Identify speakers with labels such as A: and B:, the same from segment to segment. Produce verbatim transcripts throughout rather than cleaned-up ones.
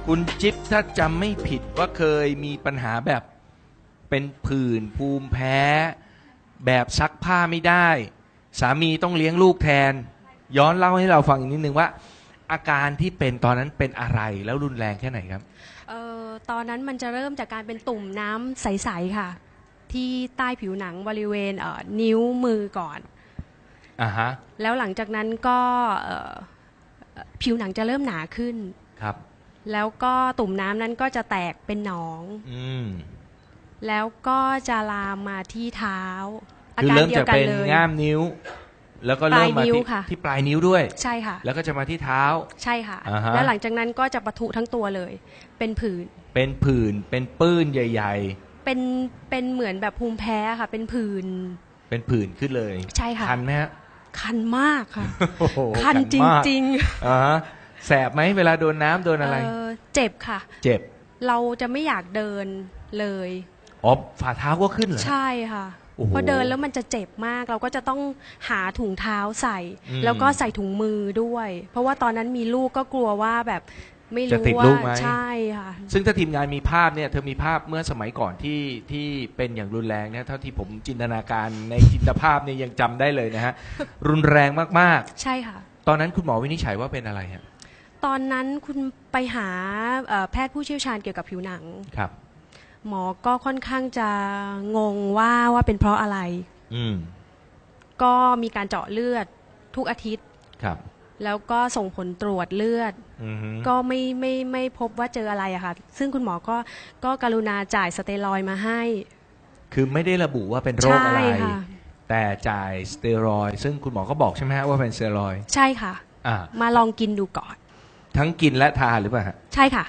A: คุณจิ๊บถ้าจำไม่ผิดว่าเคยมีปัญหาแบบเป็นผื่นภูมิแพ้ แบบซักผ้าไม่ได้ สามีต้องเลี้ยงลูกแทน ย้อนเล่าให้เราฟังอีกนิดนึงว่า อาการที่เป็นตอนนั้นเป็นอะไรแล้วรุนแรงแค่ไหนครับ
B: เอ่อตอนนั้นมันจะเริ่มจากการเป็นตุ่มน้ำใสๆค่ะที่ใต้ผิวหนังบริเวณเอ่อนิ้วมือก่อน
A: อ่าฮะ
B: แล้วหลังจากนั้นก็เอ่อผิวหนังจะเริ่มหนาขึ้น
A: ครับ
B: แล้วก็ตุ่มน้ำนั้นก็จะแตกเป็นหนอง
A: อืม
B: แล้วก็จะลามมาที่เท้า
A: คือเริ่มจากเป็นง่ามนิ้วแล้วก็เริ่มมาที่ที่ปลายนิ้วด้วย
B: ใช่ค่ะ
A: แล้วก็จะมาที่เท้า
B: ใช่ค่ะแล้วหลังจากนั้นก็จะปะทุทั้งตัวเลยเป็นผื่น
A: เป็นผื่นเป็นปื้นใหญ่
B: ๆเป็นเป็นเหมือนแบบภูมิแพ้ค่ะเป็นผื่น
A: เป็นผื่นขึ้นเลย
B: ใช่ค่ะ
A: คันไหมฮะ
B: คันมากค่ะคันจริง
A: ๆอ่าแสบไหมเวลาโดนน้ำโดนอะไร
B: เจ็บค่ะ
A: เจ็บ
B: เราจะไม่อยากเดินเลย
A: อ๋อฝ่าเท้าก็ขึ้นเหรอ
B: ใช่ค่ะพอเดินแล้วมันจะเจ็บมากเราก็จะต้องหาถุงเท้าใส่แล้วก็ใส่ถุงมือด้วยเพราะว่าตอนนั้นมีลูกก็กลัวว่าแบบไม่รู้ว่าใช่ค่ะ
A: ซึ่งถ้าทีมงานมีภาพเนี่ยเธอมีภาพเมื่อสมัยก่อนที่ที่เป็นอย่างรุนแรงเนี่ยเท่าที่ผมจินตนาการในจินตภาพเนี่ยยังจำได้เลยนะฮะรุนแรงมาก
B: ๆใช่ค่ะ
A: ตอนนั้นคุณหมอวินิจฉัยว่าเป็นอะไรฮะ
B: ตอนนั้นคุณไปหาแพทย์ผู้เชี่ยวชาญเกี่ยวกับผิวหนัง
A: ครับ
B: หมอก็ค่อนข้างจะงงว่าว่าเป็นเพราะอะไร
A: อืม
B: ก็มีการเจาะเลือดทุกอาทิตย์
A: ครับ
B: แล้วก็ส่งผลตรวจเลือดก็ไม่ไม่ไม่พบว่าเจออะไรอะค่ะซึ่งคุณหมอก็ก็กรุณาจ่ายสเตียรอยด์มาให้
A: คือไม่ได้ระบุว่าเป็นโรคอะไรแต่จ่ายสเตียรอยด์ซึ่งคุณหมอก็บอกใช่ไหมฮะว่าเป็นสเตียรอยด์
B: ใช่ค่ะมาลองกินดูก่อน
A: ทั้งกินและทานหรือเปล่าฮะ
B: ใช่ค่ะ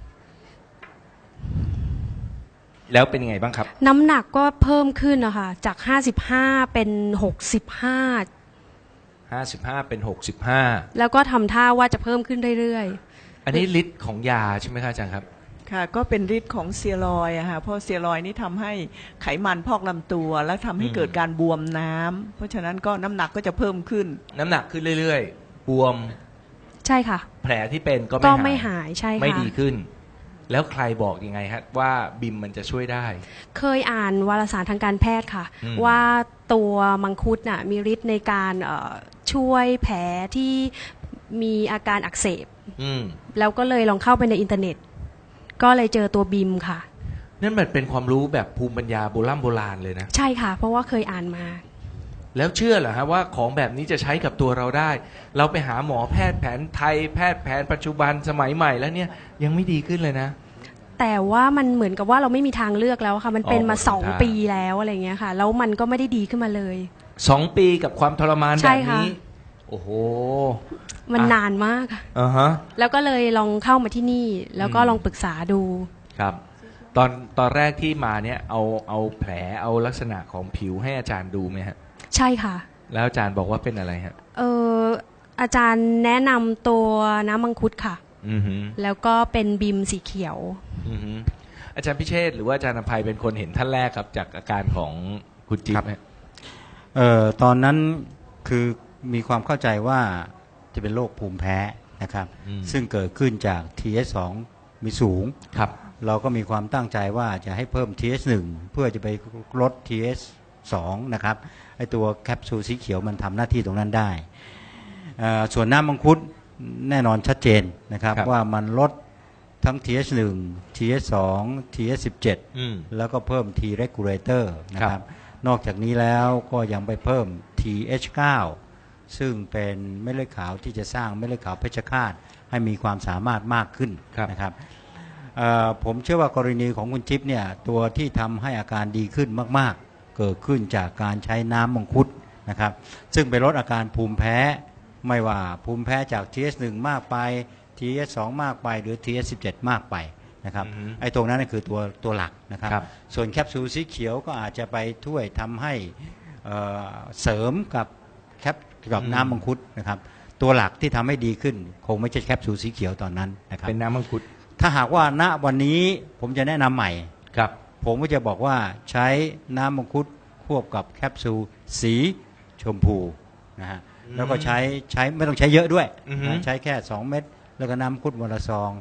A: แล้วเป็นยังไงบ้างครับ
B: น้ำหนักก็เพิ่มขึ้นนะคะจากห้าสิบห้าเป็นหกสิบห้า
A: ห้าสิบห้าเป็นหกสิบห้า
B: แล้วก็ทำท่าว่าจะเพิ่มขึ้นเรื่อย
A: ๆอันนี้ฤทธิ์ของยาใช่ไหมครับอาจารย์ครับ
C: ค่ะก็เป็นฤทธิ์ของสเตียรอยด์อะค่ะเพราะสเตียรอยด์นี่ทำให้ไขมันพอกลำตัวแล้วทำให้เกิดการบวมน้ำเพราะฉะนั้นก็น้ำหนักก็จะเพิ่มขึ้น
A: น้ำหนักขึ้นเรื่อยๆบวม
B: ใช่ค่ะ
A: แผลที่เป็นก็
B: ไม่หายใช่ค่ะ
A: ไม่ดีขึ้นแล้วใครบอกยังไงฮะว่าบิมมันจะช่วยได้
B: เคยอ่านวารสารทางการแพทย์ค่ะว่าตัวมังคุดน่ะมีฤทธิ์ในการช่วยแผลที่มีอาการอักเสบแล้วก็เลยลองเข้าไปในอินเทอร์เน็ตก็เลยเจอตัวบิมค่ะ
A: นั่นมันเป็นความรู้แบบภูมิปัญญาโบราณโบราณเลยนะ
B: ใช่ค่ะเพราะว่าเคยอ่านมา
A: แล้วเชื่อเหรอฮะว่าของแบบนี้จะใช้กับตัวเราได้เราไปหาหมอแพทย์แผนไทยแพทย์แผนปัจจุบันสมัยใหม่แล้วเนี่ยยังไม่ดีขึ้นเลยนะ
B: แต่ว่ามันเหมือนกับว่าเราไม่มีทางเลือกแล้วค่ะมันเป็นมาสองปีแล้วอะไรเงี้ยค่ะแล้วมันก็ไม่ได้ดีขึ้นมาเลย
A: สองปีกับความทรมานแบบนี้โอ้โห
B: มันนานมาก
A: อ่าฮะ
B: แล้วก็เลยลองเข้ามาที่นี่แล้วก็ลองปรึกษาดู
A: ครับตอนตอนแรกที่มาเนี่ยเอาเอาแผลเอาลักษณะของผิวให้อาจารย์ดูไหมฮะ
B: ใช่ค่ะ
A: แล้วอาจารย์บอกว่าเป็นอะไรฮะ
B: เอออาจารย์แนะนำตัวน้ำมังคุดค่ะ
A: อือฮึ
B: แล้วก็เป็นบิมสีเขียว
A: อือฮึอาจารย์พิเชษฐ์หรือว่าอาจารย์อภัยเป็นคนเห็นท่านแรกครับจากอาการของคุณจิ๊บเนี่ย
D: เอ่อตอนนั้นคือมีความเข้าใจว่าจะเป็นโรคภูมิแพ้นะครับซึ่งเกิดขึ้นจาก ที เอส สอง มีสูง
A: ครับ
D: เราก็มีความตั้งใจว่าจะให้เพิ่ม ที เอส หนึ่ง เพื่อจะไปลด ที เอส สอง นะครับไอตัวแคปซูลสีเขียวมันทำหน้าที่ตรงนั้นได้ส่วนน้ำมังคุดแน่นอนชัดเจนนะครับว่ามันลดทั้ง ที เอส หนึ่ง ที เอส สอง ที เอส สิบเจ็ด แล้วก็เพิ่ม T regulator นะครับนอกจากนี้แล้วก็ยังไปเพิ่ม ที เอช เก้า ซึ่งเป็นเม็ดเลือดขาวที่จะสร้างเม็ดเลือดขาวเพชฌฆาตให้มีความสามารถมากขึ้นนะครับผมเชื่อว่ากรณีของคุณจิ๊บเนี่ยตัวที่ทำให้อาการดีขึ้นมากๆเกิดขึ้นจากการใช้น้ำมังคุดนะครับซึ่งไปลดอาการภูมิแพ้ไม่ว่าภูมิแพ้จาก ที เอส หนึ่ง มากไป ที เอส สอง มากไปหรือ ที เอส สิบเจ็ด มากไปนะครับไอ้ตรงนั้นคือตัวตัวหลักนะครับส่วนแคปซูลสีเขียวก็อาจจะไปช่วยทำให้เสริมกับแคปกับน้ำมังคุดนะครับตัวหลักที่ทำให้ดีขึ้นคงไม่ใช่แคปซูลสีเขียวตอนนั้นนะครับ
A: เป็นน้ำมังคุด
D: ถ้าหากว่าณวันนี้ผมจะแนะนำใหม่
A: ครับ
D: ผมก็จะบอกว่าใช้น้ำมังคุดควบกับแคปซูลสีชมพูนะฮะแล้วก็ใช้ใช้ไม่ต้องใช้เยอะด้วยนะใช้แค่สองเม็ดแล้วก็น้ำมังคุดวันละซอง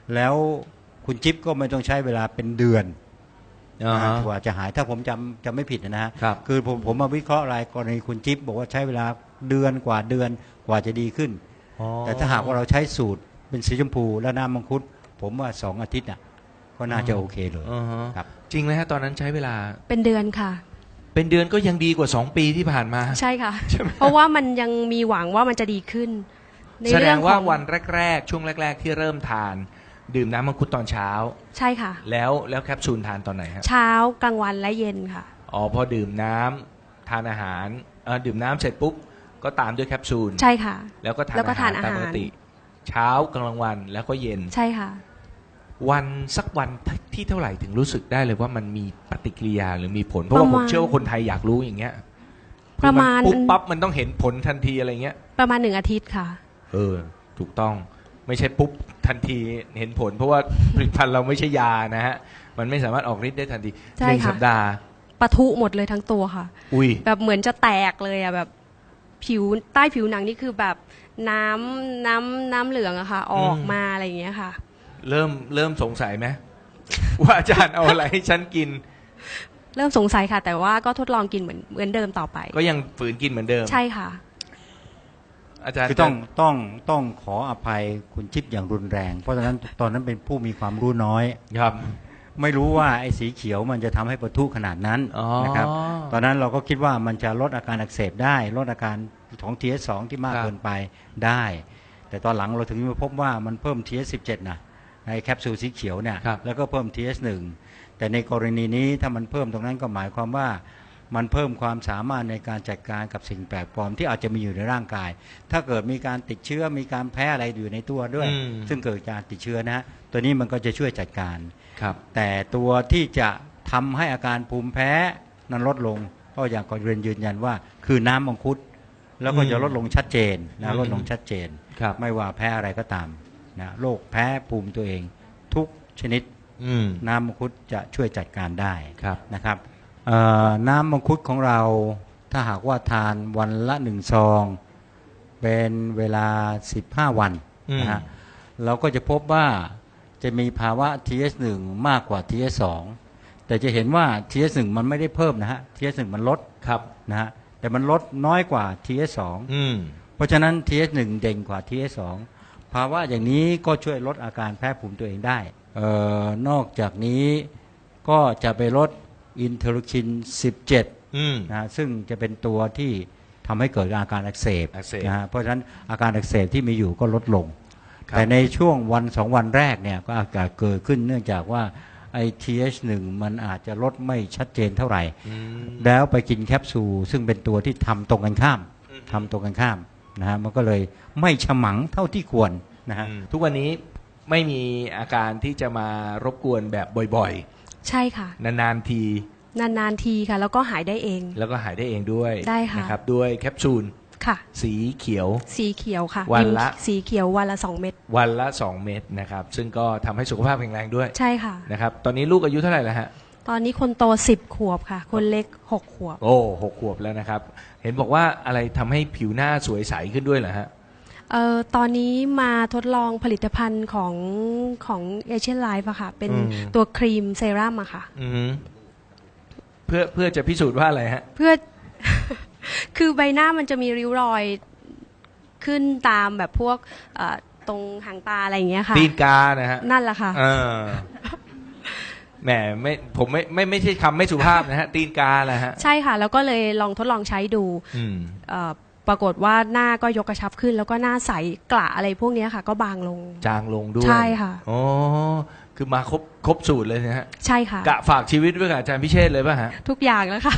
D: แล้วคุณจิ๊บก็ไม่ต้องใช้เวลาเป็นเดือน
A: อ่าฮะ
D: กว่าจะหายถ้าผมจำจำไม่ผิดนะฮะ
A: ครับ
D: คือผมผมมาวิเคราะห์รายกรณีคุณจิ๊บบอกว่าใช้เวลาเดือนกว่าเดือนกว่าจะดีขึ้น
A: อ๋อ
D: แต่ถ้าหากว่าเราใช้สูตรเป็นสีชมพูและน้ำมังคุดผมว่าสองอาทิตย์น่ะก็น่าจะโอเคเลย
A: อ่าฮะ
D: ครับ
A: จริงไหมฮะตอนนั้นใช้เวลา
B: เป็นเดือนค่ะ
A: เป็นเดือนก็ยังดีกว่าสองปีที่ผ่านมา
B: ใช่ค่ะ
A: ใช่ไหม
B: เพราะว่ามันยังมีหวังว่ามันจะดีขึ้น ใน
A: แสด
B: เรื่อง
A: งว่า
B: ของ
A: วันแรกๆ ช่วงแรก ๆ ที่เริ่มทาน ดื่มน้ำมังคุดตอนเช้า
B: ใช่ค่ะ
A: แล้วแล้วแคปซูลทานตอนไหนฮะ
B: เช้ากลางวันและเย็นค่ะ
A: อ๋อพอดื่มน้ำทานอาหารเอ่อดื่มน้ำเสร็จปุ๊บก็ตามด้วยแคปซูล
B: ใช่ค่ะ
A: แล้วก็ทาน
B: แล้วก็
A: อาหาร
B: ทานอาหาร
A: ตามปกติ เช้ากลางวันแล้วก็เย็น
B: ใช่ค่ะ
A: วันสักวันที่เท่าไหร่ถึงรู้สึกได้เลยว่ามันมีปฏิกิริยาหรือมีผล เพราะว่า
B: ประ
A: ผ
B: มาณ
A: มเชื่อว่าคนไทยอยากรู้อย่างเงี้ย
B: ประมาณ
A: คือนปุ๊บปั๊บมันต้องเห็นผลทันทีอะไรเงี้ย
B: ประมาณหนึ่งอาทิตย์ค่ะ
A: เออถูกต้องไม่ใช่ปุ๊บทันทีเห็นผล เพราะว่า ผลิตภัณฑ์เราไม่ใช่ยานะฮะมันไม่สามารถออกฤทธิ์ได้ทันที
B: ใช่
A: หนึ่ง
B: ค่ะ
A: สัปดาห์
B: ปะทุหมดเลยทั้งตัวค่ะ
A: อุ้ย
B: แบบเหมือนจะแตกเลยอะแบบผิวใต้ผิวหนังนี่คือแบบน้ำน้ำน้ำเหลืองอะค่ะ ออกมาอะไรอย่างเงี้ยค่ะ
A: เริ่มเริ่มสงสัยไหม ว่าอาจารย์เอาอะไรให้ฉันกิน
B: เริ่มสงสัยค่ะ แต่ว่าก็ทดลองกินเหมือนเหมือนเดิมต่อไป
A: ก็ยังฝืนกินเหมือนเดิม
B: ใช่ค่ะ
A: อาจารย์
D: คือต้องต้องต้องขออภัยคุณจิ๊บอย่างรุนแรง เพราะฉะนั้นตอนนั้นเป็นผู้มีความรู้น้อย
A: ครับ
D: ไม่รู้ว่าไอ้สีเขียวมันจะทำให้ปะทุขนาดนั้น
A: อ๋อ
D: นะครับตอนนั้นเราก็คิดว่ามันจะลดอาการอักเสบได้ลดอาการของ ที เอส สอง ที่มาก
A: ครับ
D: เกินไปได้ แต่ตอนหลังเราถึงมาพบว่ามันเพิ่ม ที เอส สิบเจ็ด นะในแคปซูลสีเขียวเนี่ย
A: ครับ
D: แล้วก็เพิ่ม ที เอส หนึ่ง แต่ในกรณีนี้ถ้ามันเพิ่มตรงนั้นก็หมายความว่ามันเพิ่มความสามารถในการจัดการกับสิ่งแปลกปลอมที่อาจจะมีอยู่ในร่างกาย ถ้าเกิดมีการติดเชื้อมีการแพ้อะไรอยู่ในตัวด้วย
A: อืม
D: ซึ่งเกิดจากติดเชื้อนะฮะตัวนี้มันก็จะช่วยจัดการ
A: ครับ
D: แต่ตัวที่จะทำให้อาการภูมิแพ้นั้นลดลงก็อย่างก่อนเรียนยืนยันว่าคือน้ำมังคุดแล้วก็จะลดลงชัดเจน
A: อื
D: นะ
A: ม
D: ลดลงชัดเจน
A: ครับ
D: ไม่ว่าแพ้อะไรก็ตามนะโรคแพ้ภูมิตัวเอง ทุกชนิด
A: อืม
D: น้ำมังคุดจะช่วยจัดการได้
A: ครับ
D: นะครับเอ่อน้ำมังคุดของเราถ้าหากว่าทานวันละหนึ่งซองเป็นเวลาสิบห้าวันนะฮะเราก็จะพบว่าจะมีภาวะ ที เอส หนึ่ง มากกว่า ที เอส สอง แต่จะเห็นว่า ที เอส หนึ่ง มันไม่ได้เพิ่มนะฮะ ที เอส หนึ่ง มันลด
A: ครับ
D: นะฮะแต่มันลดน้อยกว่า ที เอส สอง
A: อืม
D: เพราะฉะนั้น ที เอส หนึ่ง เด่นกว่า ที เอส สอง ภาวะอย่างนี้ก็ช่วยลดอาการแพ้ภูมิตัวเองได้เอ่อนอกจากนี้ก็จะไปลดอินเทอร์คิน สิบเจ็ด
A: อืม
D: นะซึ่งจะเป็นตัวที่ทำให้เกิดอาการอักเสบ
A: อักเสบ
D: นะฮะเพราะฉะนั้นอาการอักเสบที่มีอยู่ก็ลดลง
A: ครับ
D: แต่ในช่วงวันสองวันแรกเนี่ยก็อาการเกิดขึ้นเนื่องจากว่าไอ ที เอช หนึ่ง มันอาจจะลดไม่ชัดเจนเท่าไหร่
A: อืม
D: แล้วไปกินแคปซูลซึ่งเป็นตัวที่ทำตรงกันข้าม
A: อืม
D: ทำตรงกันข้ามนะฮะมันก็เลยไม่ฉมังเท่าที่ควรนะฮะ
A: อืมทุกวันนี้ไม่มีอาการที่จะมารบกวนแบบบ่อย
B: ใช่ค่ะ
A: ๆ นานๆที
B: นานๆทีค่ะ แล้วก็หายได้เอง
A: แล้วก็หายได้เองด้วย
B: ได้ค่ะ
A: นะครับด้วยแคปซูล
B: ค่ะ
A: สีเขียว
B: สีเขียวค่ะ
A: วันละ
B: สีเขียววันละสองเม็ด
A: วันละสองเม็ดนะครับ ซึ่งก็ทำให้สุขภาพแข็งแรงด้วย
B: ใช่ค่ะ
A: นะครับ ตอนนี้ลูกอายุเท่าไหร่แล้วฮะ
B: ตอนนี้คนโตสิบขวบค่ะ คนเล็กหกขวบ
A: โอ้หกขวบแล้วนะครับ เห็นบอกว่าอะไรทำให้ผิวหน้าสวยใสขึ้นด้วยเหรอฮะ
B: เอ่อตอนนี้มาทดลองผลิตภัณฑ์ของของเอเชียนไลฟ์อะค่ะ เป็น
A: อืม
B: ตัวครีมเซรั่มอะค่ะ
A: อือฮึเพื่อเพื่อจะพิสูจน์ว่าอะไรฮะ
B: เพื่อ คือใบหน้ามันจะมีริ้วรอยขึ้นตามแบบพวกเอ่อตรงหางตาอะไรอย่างเงี้ยค่ะ
A: ตีนกานะฮะ
B: นั่นแหละค่ะ
A: เออแหมไม่ผมไม่ไม่ไม่ใช่คำไม่สุภาพนะฮะ ตีนกาแหละฮะ
B: ใช่ค่ะ แล้วก็เลยลองทดลองใช้ดู
A: อืม
B: เอ่อปรากฏว่าหน้าก็ยกกระชับขึ้น แล้วก็หน้าใสกระอะไรพวกเนี้ยค่ะ ก็บางลง
A: จางลงด้วย
B: ใช่ค่ะ
A: อ๋อคือมาครบครบสูตรเลยนะฮะ
B: ใช่ค่ะ
A: กะฝากชีวิตไว้กับอาจารย์พิเชษฐ์เลยป่ะฮะ
B: ทุกอย่างแล้วค่ะ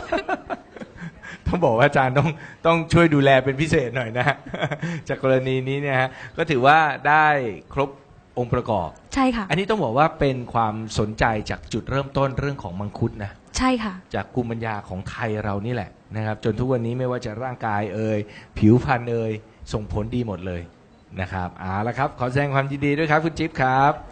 A: ต้องบอกว่าอาจารย์ต้องต้องช่วยดูแลเป็นพิเศษหน่อยนะฮะ จากกรณีนี้เนี่ยฮะก็ถือว่าได้ครบองค์ประกอบ
B: ใช่ค่ะ
A: อันนี้ต้องบอกว่าเป็นความสนใจจากจุดเริ่มต้นเรื่องของมังคุดนะ
B: ใช่ค่ะ
A: จากภูมิปัญญาของไทยเรานี่แหละนะครับ จนทุกวันนี้ไม่ว่าจะร่างกายเอ่ยผิวพรรณเอ่ยส่งผลดีหมดเลยนะครับเอาละครับ ขอแสดงความยินดีด้วยครับคุณจิ๊บครับ